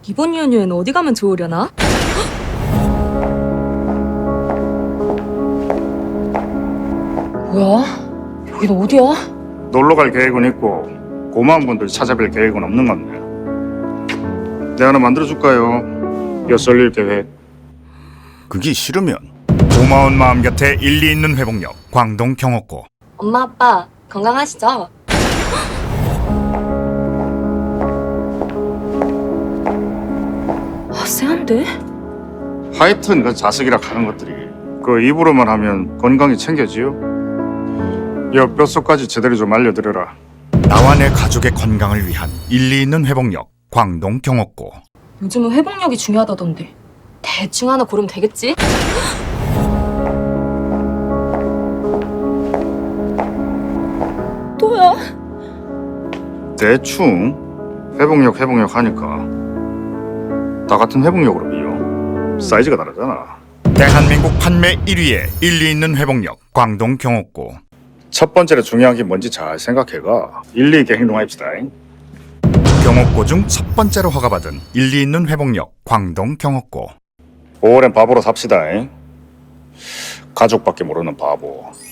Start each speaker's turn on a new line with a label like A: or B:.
A: 이번 연휴엔 어디 가면 좋으려나? 뭐야? 여긴 어디야?
B: 놀러 갈 계획은 있고 고마운 분들 찾아뵐 계획은 없는 건데. 내가 하나 만들어줄까요? 엿설릴 계획.
C: 그게 싫으면 고마운 마음 곁에 일리 있는 회복력 광동 경옥고.
A: 엄마 아빠 건강하시죠? 아, 쎄한데?
B: 하여튼 그 자석이라 하는 것들이 그 입으로만 하면 건강이 챙겨지요. 여 뼛속까지 제대로 좀 알려드려라.
C: 나와 내 가족의 건강을 위한 일리 있는 회복력 광동 경옥고.
A: 요즘은 회복력이 중요하다던데 대충 하나 고르면 되겠지? 또야?
B: 대충 회복력 하니까 다 같은 회복력으로 비요. 사이즈가 다르잖아.
C: 대한민국 판매 1위의 일리 있는 회복력 광동 경옥고.
B: 첫 번째로 중요한 게 뭔지 잘 생각해가 일리 있게 행동합시다.
C: 경옥고 중 첫 번째로 허가받은 일리 있는 회복력 광동 경옥고.
B: 5월엔 바보로 삽시다. 가족밖에 모르는 바보.